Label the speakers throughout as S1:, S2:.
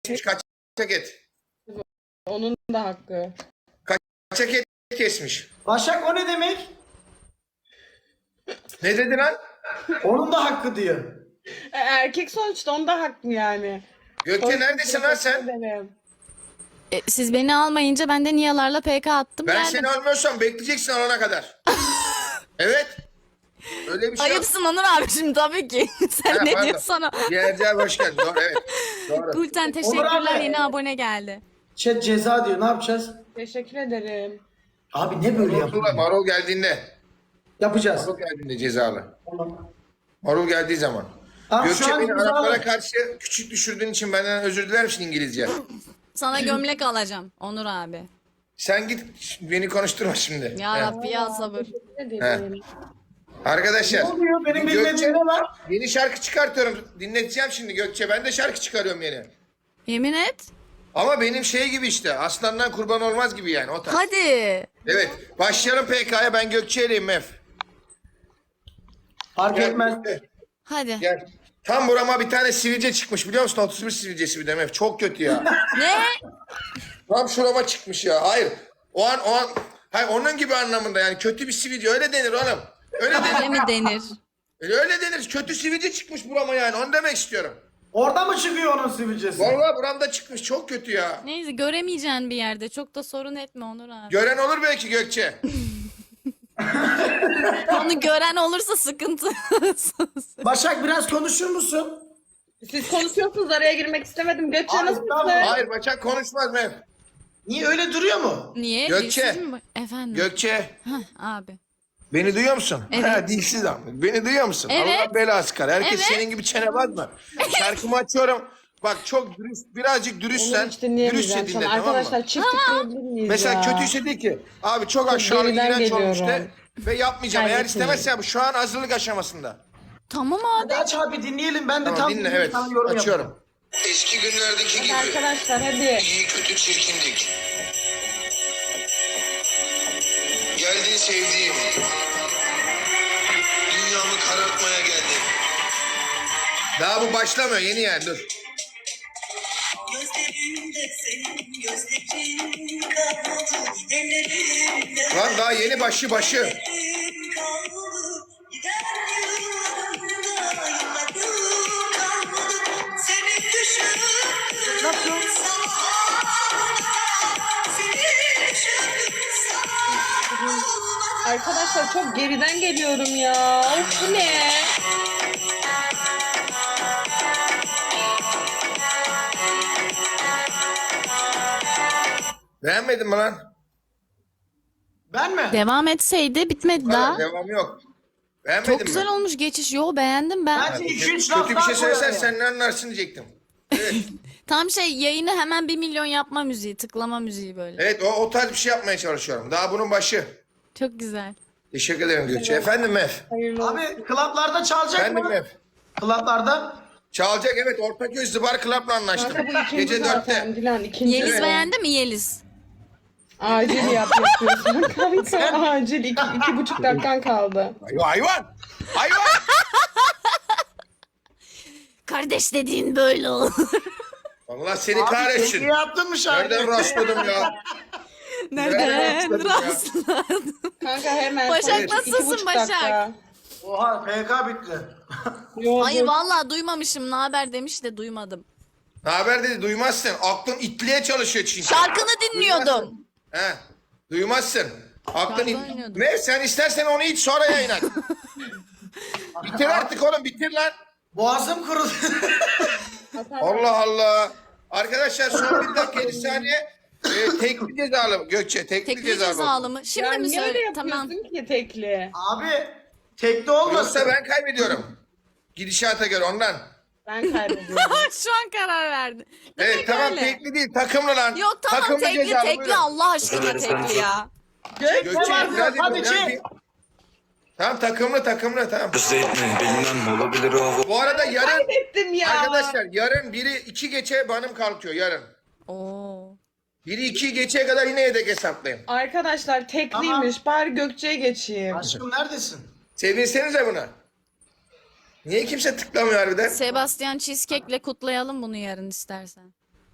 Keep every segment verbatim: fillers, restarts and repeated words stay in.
S1: kesmiş kaçak et.
S2: Onun da hakkı.
S1: Kaçak et kesmiş.
S3: Başak o ne demek?
S1: Ne dedi lan?
S3: Onun da hakkı diyor.
S2: E, erkek sonuçta onda hakkı yani.
S1: Gökçe neredesin lan sen?
S2: Ederim.
S4: E, siz beni almayınca ben de Niyalarla P K attım
S1: Ben
S4: geldim.
S1: seni almıyorsam bekleyeceksin alana kadar. Evet. Öyle bir şey yok.
S4: Ayıpsın Onur abi şimdi tabii ki. Sen
S1: Ha,
S4: ne
S1: pardon.
S4: diyorsun sana?
S1: Ciğerciye hoş geldin. Doğru evet. Doğru.
S4: Gülten
S3: Onur
S4: teşekkürler
S3: abi.
S4: yeni abone geldi.
S3: Chat ceza diyor. Ne yapacağız?
S2: Teşekkür ederim.
S3: Abi ne böyle
S1: Marul,
S3: yapıyor?
S1: marul geldiğinde.
S3: Yapacağız.
S1: Marul geldiğinde cezalı.
S3: Tamam.
S1: Marul geldiği zaman.
S3: Tamam, şu
S1: Gökçe
S3: an
S1: beni
S3: imzalı.
S1: Araplara karşı küçük düşürdüğün için benden özür diler misin İngilizce?
S4: Sana gömlek alacağım Onur abi.
S1: Sen git beni konuşturma şimdi.
S4: Ya
S1: He.
S4: Rabbi ya sabır.
S2: Teşekkür ederim.
S1: Arkadaşlar.
S3: Ne oluyor? Benim
S1: Gökçe-
S3: bilmediğim ne var?
S1: Yeni şarkı çıkartıyorum. Dinleteceğim şimdi Gökçe. Ben de şarkı çıkarıyorum yeni.
S4: Yemin et.
S1: Ama benim şey gibi işte. Aslandan kurban olmaz gibi yani o tarz.
S4: Hadi.
S1: Evet. Başlayalım P K'ya. Ben Gökçe'yleyim Mef.
S3: Fark
S1: Gel,
S3: etmez.
S1: Gökçe,
S4: Hadi.
S1: Gel. Tam burama bir tane sivilce çıkmış biliyor musun? otuz bir sivilcesi bir de Mef. Çok kötü ya.
S4: Ne?
S1: Tam şurama çıkmış ya. Hayır. O an o an. Hayır onun gibi anlamında yani. Kötü bir sivilce. Öyle denir oğlum. Öyle
S4: Öyle
S1: denir.
S4: mi denir?
S1: Öyle denir. Kötü sivilce çıkmış burama yani. Onu demek istiyorum.
S3: Orada mı çıkıyor onun sivilcesi?
S1: Vallahi buramda çıkmış. Çok kötü ya.
S4: Neyse göremeyeceğin bir yerde. Çok da sorun etme Onur abi.
S1: Gören olur belki Gökçe.
S4: Onu gören olursa sıkıntı.
S3: Başak biraz konuşur musun?
S2: Siz konuşuyorsunuz araya girmek istemedim. Gökçe
S3: Abi,
S2: nasılsın?
S3: tamam.
S1: Hayır Başak konuşmaz Mef.
S3: Niye öyle duruyor mu?
S4: Niye?
S1: Gökçe.
S4: Dilsiz mi? Efendim.
S1: Gökçe.
S4: Hah, abi.
S1: Beni duyuyor musun?
S4: Evet.
S1: Ha dilsiz ama. Beni duyuyor musun?
S4: Evet.
S1: Allah belası kar. Herkes
S4: Evet.
S1: senin gibi çene mı? Şarkımı açıyorum. Bak çok dürüst, birazcık
S2: Onu
S1: dürüstsen,
S2: hiç dinleyemeyeceğim
S1: dürüstçe
S2: şu an.
S1: dinle tamam mı?
S2: Arkadaşlar çift tıklayabilir miyiz
S1: Mesela
S2: ya?
S1: kötüyse de ki abi çok aşağılık
S2: geriden
S1: iğrenç olmuş de
S2: geliyorum.
S1: ve yapmayacağım. Eğer
S2: Kaybetmeyin.
S1: istemezse bu şu an hazırlık aşamasında.
S4: Tamam abi.
S3: Hadi aç abi dinleyelim. Ben de
S1: Tamam
S3: tam
S1: dinle
S3: dinleyeyim,
S1: evet
S3: sana yorum yapayım.
S1: açıyorum. Eski günlerdeki
S2: Hadi
S1: gibi
S2: arkadaşlar hadi.
S1: iyi kötü çirkindik. Geldin sevdiğim. Dünyamı karartmaya geldin. Daha bu başlamıyor yeni yani dur.
S5: Gözlerinde senin gözlerin kalmadı, ellerinde
S1: Lan daha yeni başı başı.
S5: ellerin kalmadı. Giden yıllarında yıllarım kalmadı. Seni düşündüm sabah, seni düşündüm sabah.
S2: Arkadaşlar çok geriden geliyorum ya. Of bu ne?
S1: Beğenmedin mi lan?
S3: Ben mi?
S4: Devam etseydi bitmedi
S1: Hayır,
S4: daha.
S1: devam yok. Beğenmedin
S4: Çok
S1: mi?
S4: güzel olmuş geçiş. Yo beğendim ben.
S3: Bence iki üç
S1: Kötü
S3: laf
S1: bir
S3: daha
S1: şey söylesen
S3: koyar
S1: sen ne anlarsın diyecektim. Evet.
S4: Tam şey yayını hemen bir milyon yapma müziği, tıklama müziği böyle.
S1: Evet o, o tarz bir şey yapmaya çalışıyorum. Daha bunun başı.
S4: Çok güzel.
S1: Teşekkür ederim Gülçe. Efendim Mef.
S2: Hayırlı olsun.
S3: Abi klaplarda çalacak
S1: Efendim
S3: mı?
S1: Mef.
S3: Klaplarda.
S1: Çalacak evet Ortaköy Zıbar Club'la anlaştım.
S2: Kanka bu ikinci
S1: Gece
S2: zaten.
S1: dörtte.
S2: Dilan ikinci.
S4: Yeliz
S1: Evet.
S4: beğendi mi Yeliz?
S2: Acil yap yapıyorsun kanka. Acil. İki, iki buçuk dakikan kaldı.
S1: Hayvan hayvan. Hayvan.
S4: Kardeş dediğin böyle olur.
S1: Allah seni
S3: Abi
S1: kahretsin.
S3: peki yaptın mı şarkı?
S1: Nereden rastladım ya?
S4: Nereden
S1: rastladım ya?
S4: rastladın?
S2: Kanka hemen.
S4: Başak,
S2: sonra iki
S4: nasılsın
S2: buçuk
S4: Başak?
S2: dakika.
S3: Oha P K bitti.
S2: Yo,
S4: Hayır
S2: dur.
S4: vallahi duymamışım. Ne haber demiş de duymadım.
S1: Ne haber dedi duymazsın. Aklın itliğe çalışıyor çünkü.
S4: Şarkını dinliyordum.
S1: He. Duymazsın. Aklın
S4: Şarkı
S1: it...
S4: oynuyordum.
S1: Ne sen istersen onu iç sonra yayın aç. Bitir artık oğlum bitir lan.
S3: Boğazım kurudu.
S1: Allah Allah. Arkadaşlar son bir dakika yedi saniye. E, tekli cezalı Gökçe. Tekli,
S4: Tekli
S1: cezalı.
S4: cezalı mı? Şimdi
S2: Ya
S4: mi
S2: niye öyle
S4: söyle?
S2: yapıyorsun
S4: Tamam.
S2: ki tekli?
S3: Abi tekte olmasın.
S1: Yoksa ben kaybediyorum. Gidişata göre ondan.
S2: Ben kaybediyorum.
S4: Şu an karar verdi. Demek
S1: Evet tamam
S4: öyle.
S1: tekli değil takımlı lan.
S4: Yok tamam
S1: Takımlı
S4: tekli
S1: cezalı,
S4: tekli
S1: buyurun.
S4: Allah aşkına tekli ya.
S3: Tekte
S1: Gökçe
S3: var
S1: hadi,
S3: hadi
S1: hadi.
S3: çek.
S1: Tamam takımlı takımlı tamam.
S6: Özetme bilmem olabilir o.
S1: Bu arada yarın
S2: Kaybettim ya.
S1: arkadaşlar yarın biri iki geçe benim kalkıyor yarın.
S4: Oo.
S1: Biri iki geçeye kadar yine yedek hesaplayın.
S2: Arkadaşlar tekliymiş. Bari Gökçe'ye geçeyim.
S3: Aşkım neredesin?
S1: Sevinsenize buna. Niye kimse tıklamıyor harbiden?
S4: Sebastian Cheesecake'le kutlayalım bunu yarın istersen.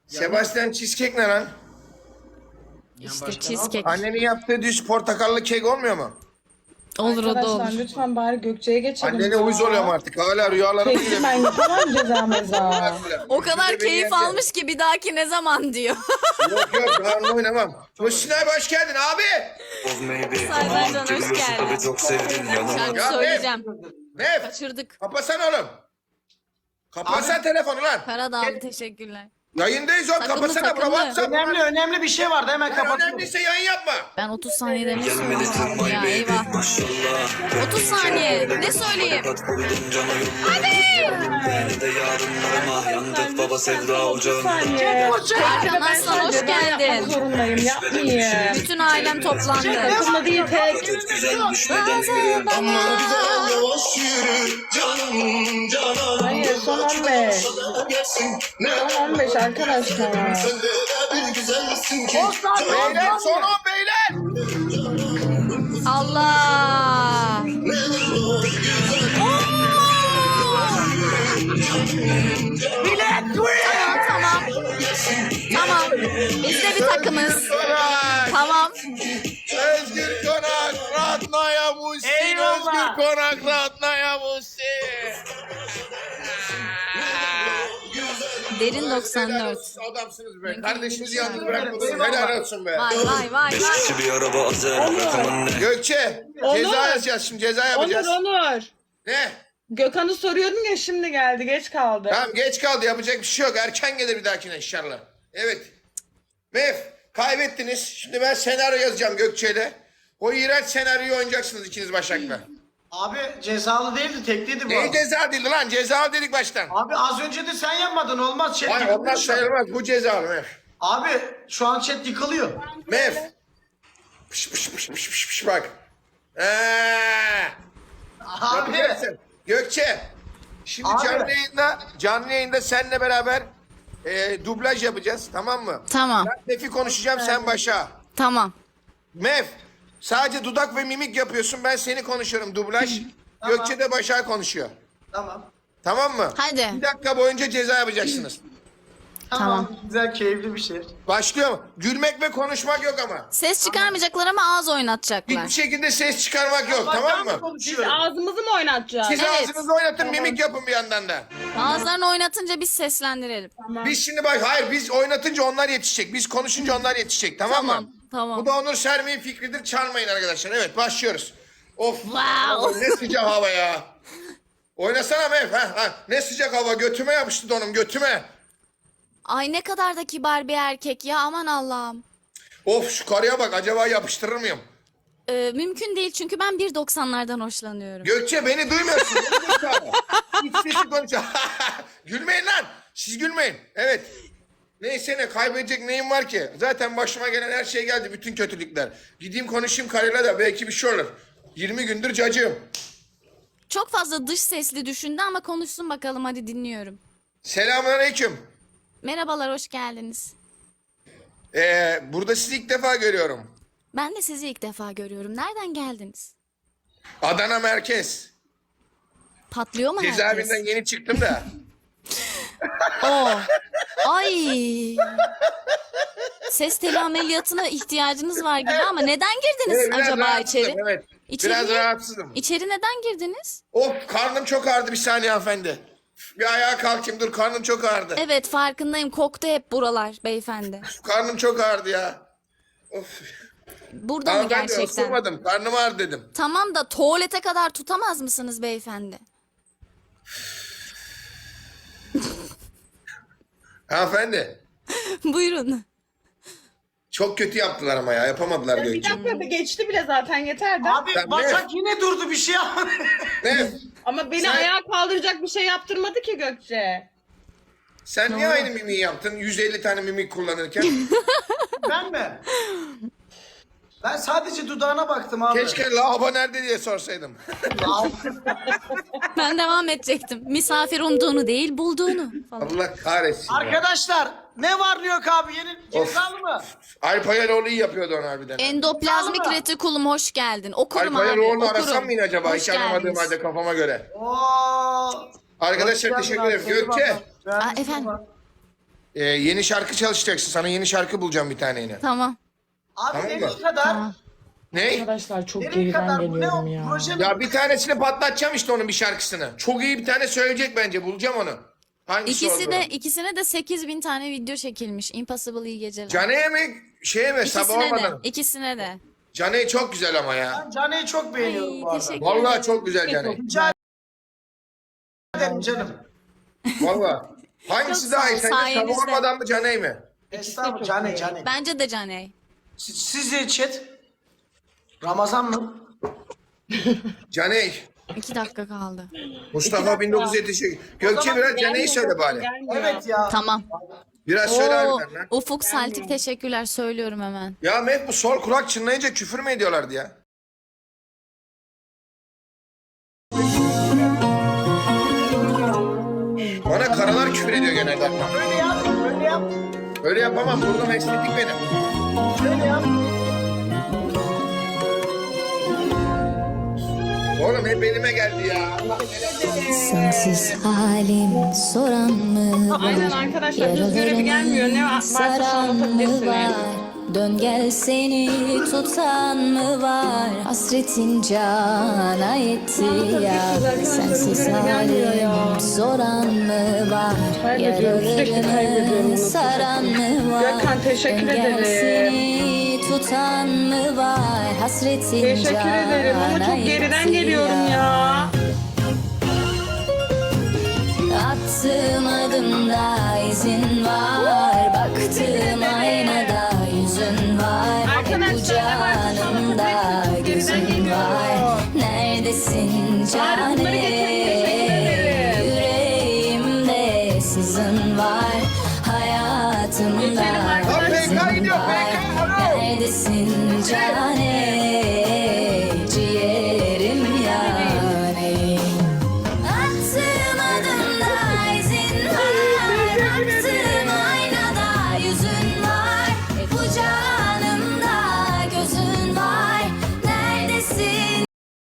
S1: Sebastian cheesecake ne lan?
S4: İşte cheesecake.
S1: Annenin yaptığı düz portakallı kek olmuyor mu?
S4: Olur o da
S2: Arkadaşlar
S4: olur.
S2: lütfen bari Gökçe'ye geçelim.
S1: Annene
S2: ya.
S1: uyuz oluyorum artık. Hala rüyalarıma
S2: Kesin
S1: giriyor.
S2: ben yapamam ceza meza.
S4: O kadar
S1: Beni
S4: keyif
S1: yendi.
S4: almış ki bir dahaki ne zaman diyor.
S1: Yok yok ben oynamam. Muhsin abi hoş geldin abi.
S6: Of maybe.
S4: Saydan Can, hoş
S6: Geliyorsun
S4: geldin.
S6: tabii çok sevdin yanıma.
S4: Şarkı
S1: Ya,
S4: söyleyeceğim.
S1: Ne?
S4: Kaçırdık.
S1: Kapasana oğlum. Kapasana telefonu lan.
S4: Para da aldı, teşekkürler.
S1: Yayındayız oğlum.
S4: Takımlı,
S1: Kapasana bura
S4: takımlı.
S1: WhatsApp.
S3: Önemli önemli bir şey vardı hemen
S1: Yani
S3: kapatıyorum.
S1: önemliyse yayın yapma.
S4: Ben otuz saniyede ne
S6: Gelmedi
S4: söyleyeceğim
S6: tırmay
S4: ya,
S6: baby
S4: eyvah.
S6: maşallah.
S4: otuz saniye ne söyleyeyim?
S6: Kat koydum cana yok. Hadi. Yine de yarınlarıma yandık baba sevda ocağında.
S2: Saniye.
S4: Hakan Aslan hoş
S2: Yapmak
S4: geldin.
S2: zorundayım yapmayayım.
S4: Bütün ailem toplandı.
S2: Takımda değil tek.
S6: Güzel düşmeden yürü.
S2: Hayır son on beş. Son on beş arkadaşlar.
S1: Beyler son on beyler.
S4: Allah! Tamam tamam. Tamam. Biz de bir takımız.
S1: Konak.
S4: Tamam.
S1: Özgür Konak. Ratnaya Muhsin.
S3: Eyvallah.
S1: Özgür Konak. Ratnaya Muhsin.
S4: Derin doksan
S1: Helal
S4: dört.
S1: olsun, adamsınız be.
S4: Mümkün
S1: Kardeşinizi
S4: değil.
S1: yalnız bırakmadınız. Helal olsun be.
S4: Vay vay vay
S6: Beş
S4: vay.
S6: kişi bir araba azer. Rakamın ne?
S1: Gökçe.
S2: Onur.
S1: Ceza yazacağız şimdi. Ceza
S2: Onur
S1: yapacağız.
S2: Onur.
S1: Ne?
S2: Gökhan'ı soruyordum ya şimdi geldi geç kaldı.
S1: Tamam geç kaldı. Yapacak bir şey yok. Erken gelir bir dahakine inşallah. Evet. Mef kaybettiniz. Şimdi ben senaryo yazacağım Gökçe'yle. O iğrenç senaryoyu oynayacaksınız ikiniz Başak'la.
S3: Abi cezalı değildi tekliydi bu.
S1: Ne ceza değildi lan? Ceza dedik baştan.
S3: Abi az önce de sen yapmadın olmaz chat
S1: Hayır
S3: yıkılıyor
S1: onlar
S3: şu an.
S1: sayılmaz. Bu cezalı Mef.
S3: Abi şu an chat yıkılıyor.
S1: Mef. Pış pış pış pış pış pış bak. Eee.
S3: Abi
S1: Yapacaksın. Gökçe. Şimdi
S3: Abi.
S1: canlı yayında canlı yayında seninle beraber e, dublaj yapacağız tamam mı?
S4: Tamam.
S1: Ben Mef'i konuşacağım sen başa.
S4: Tamam.
S1: Mef sadece dudak ve mimik yapıyorsun ben seni konuşuyorum dublaj.
S3: Tamam.
S1: Gökçe de Başak konuşuyor.
S3: tamam.
S1: Tamam mı?
S4: Hadi.
S1: Bir dakika boyunca ceza yapacaksınız.
S3: Tamam. Güzel keyifli bir şey.
S1: Başlıyor mu? Gülmek ve konuşmak yok ama.
S4: Ses çıkarmayacaklar ama ağız oynatacaklar.
S1: Hiçbir şekilde ses çıkarmak yok
S3: Bak,
S1: tamam
S3: ben mi
S1: mı?
S2: Biz
S3: konuşuyorum?
S2: ağzımızı mı oynatacağız?
S1: Siz
S4: Evet.
S1: ağzınızı oynatın mimik yapın bir yandan da.
S4: Ağızlarını oynatınca biz seslendirelim.
S1: Biz şimdi bak hayır biz oynatınca onlar yetişecek. Biz konuşunca onlar yetişecek tamam,
S4: Tamam,
S1: mı?
S4: tamam.
S1: Bu da Onur Sermi'nin fikridir çalmayın arkadaşlar. Evet başlıyoruz. Of
S4: Wow.
S1: ne sıcak hava ya. Oynasana Mef. Ha, ha. Ne sıcak hava götüme yapıştı donum götüme.
S4: Ay ne kadar da kibar bir erkek ya, aman Allah'ım.
S1: Of şu karıya bak acaba yapıştırır mıyım?
S4: Ee, mümkün değil çünkü ben bir doksanlardan hoşlanıyorum.
S1: Gökçe beni duymuyorsun. Hiç sesi konuşuyor. Gülmeyin lan. Siz gülmeyin. Evet. Neyse ne kaybedecek neyim var ki? Zaten başıma gelen her şey geldi. Bütün kötülükler. Gideyim konuşayım karıyla da belki bir şey olur. yirmi gündür cacığım.
S4: Çok fazla dış sesli düşündü ama konuşsun bakalım, hadi dinliyorum.
S1: Selamünaleyküm.
S4: Merhabalar, hoş geldiniz.
S1: Ee, burada sizi ilk defa görüyorum.
S4: Ben de sizi ilk defa görüyorum. Nereden geldiniz?
S1: Adana merkez.
S4: Patlıyor mu herkes?
S1: Cezaevinden yeni çıktım da.
S4: Oo. Ay. Ses teli ameliyatına ihtiyacınız var gibi ama neden girdiniz
S1: Evet, biraz
S4: acaba
S1: rahatsızım,
S4: içeri?
S1: Evet.
S4: İçeri
S1: Biraz
S4: niye-
S1: rahatsızım.
S4: İçeri neden girdiniz?
S1: Of karnım çok ağrıdı bir saniye hanımefendi. Bir ayağa kalkayım dur karnım çok ağrıdı.
S4: Evet, farkındayım. Koktu hep buralar beyefendi.
S1: Karnım çok ağrıdı ya. Of.
S4: Burada mı
S1: Hanımefendi
S4: gerçekten?
S1: osurmadım karnım ağrıdı dedim.
S4: Tamam da tuvalete kadar tutamaz mısınız beyefendi?
S1: Hanımefendi
S4: Buyurun.
S1: çok kötü yaptılar ama ya yapamadılar
S2: Bir
S1: Gökçe.
S2: dakika geçti bile zaten yeter de.
S3: Abi
S1: Sen
S3: Başak yine durdu bir şey yapmadı.
S1: Ne?
S2: Ama beni
S1: Sen-
S2: ayağa kaldıracak bir şey yaptırmadı ki Gökçe.
S1: Sen niye aynı mimiği yaptın yüz elli tane mimik kullanırken?
S3: Ben mi? Ben sadece dudağına baktım abi.
S1: Keşke lavabo nerede diye sorsaydım.
S4: Ben devam edecektim. Misafir umduğunu değil, bulduğunu falan.
S1: Allah kahretsin ya.
S3: Arkadaşlar ne var ne yok abi yeni cezalı mı?
S1: Alp Ayaloğlu iyi yapıyordu onu harbiden.
S4: Endoplazmik
S3: Sağ ol.
S4: retikulum hoş geldin. Okurum
S1: Alp
S4: abi.
S1: Ayaloğlu'nu
S4: Okurum.
S1: arasam mı yine acaba?
S4: Hoş
S1: Hiç aramadığım
S4: geldiniz.
S1: halde kafama göre.
S3: Oo.
S1: Arkadaşlar
S3: Hoş
S1: teşekkür
S3: geldin
S1: ederim.
S3: abi,
S1: Gökçe.
S3: seni baba.
S4: Aa, efendim?
S1: Ee, yeni şarkı çalışacaksın. Sana yeni şarkı bulacağım bir tane yine.
S4: Tamam.
S3: Abi
S1: Tamam
S3: nereye
S1: mı?
S3: kadar?
S1: Ne?
S2: Arkadaşlar çok
S3: Nereye
S2: geriden
S3: kadar? Bu ne
S2: geliyorum
S3: o?
S2: ya.
S3: Proje mi?
S1: Ya bir tanesini patlatacağım işte onun bir şarkısını. Çok iyi bir tane söyleyecek bence. Bulacağım onu. Hangisi
S4: İkisi
S1: olduğunu.
S4: de ikisine de sekiz bin tane video çekilmiş. Impossible iyi geceler.
S1: Cane'ye mi? Şeye mi? Sabah
S4: İkisine de.
S1: olmadan.
S4: İkisine de.
S1: Cane çok güzel ama ya.
S3: Ben Cane'yi çok beğeniyorum
S4: Ay,
S3: bu arada.
S4: teşekkür
S1: Vallahi
S4: ederim.
S1: çok güzel Cane.
S3: Rica ederim canım.
S1: Vallahi. Hangisi
S4: Çok
S1: daha
S4: sağ ol,
S1: iyi? Sence sabah
S4: sayenizde.
S1: olmadan mı Cane mi?
S3: Estağfurullah Cane Cane.
S4: Bence de Caney.
S3: Siz- Sizce chat? Ramazan mı?
S1: Cane.
S4: İki dakika kaldı.
S1: Mustafa bin dokuz yüz yetmiş sekiz. Gökçe biraz Cane'yi söyle bari.
S3: Evet ya.
S4: Tamam.
S1: Biraz söyle
S4: Oo,
S1: harbiden lan.
S4: Ufuk Saltik teşekkürler söylüyorum hemen.
S1: Ya Mehmet bu sol kulak çınlayınca küfür mü ediyorlardı ya? Bana karalar küfür ediyor genelde.
S3: Böyle yap, böyle yap,
S1: Öyle yapamam. Burnum estetik benim.
S3: böyle yap.
S1: Oğlum hep elime geldi ya.
S7: Sensiz halim soran mı var?
S2: Aynen arkadaşlar göz görevi gelmiyor. Ne varsa şu an
S7: Saran mı
S2: atabilirsiniz.
S7: var? Dön gel seni tutan mı var? Hasretin cana yetti ya. Sensiz halim soran mı var?
S2: Kaybediyorum, sürekli kaybediyorum
S7: Yaralarını
S2: bu
S7: saran mı var?
S2: Gökhan, teşekkür
S7: Dön gel
S2: ederim.
S7: seni tutan mı var? Hasretin
S2: Teşekkür ederim ama
S7: cana
S2: çok geriden
S7: yetti
S2: geliyorum ya.
S7: Attığım adımda izin var. Baktığım aynada yüzün var.
S2: Arkadaşlar,
S7: Bu canımda
S2: geriden
S7: gözün
S2: geliyor.
S7: var. Neredesin
S2: Bari bunları getirin, teşekkür
S7: cane?
S2: ederim.
S7: Yüreğimde sızın var. Hayatımda
S2: Geçelim arkadaşlar.
S1: Lan P K
S7: izin
S1: gidiyor,
S7: var.
S1: P K, alo.
S7: Neredesin cane?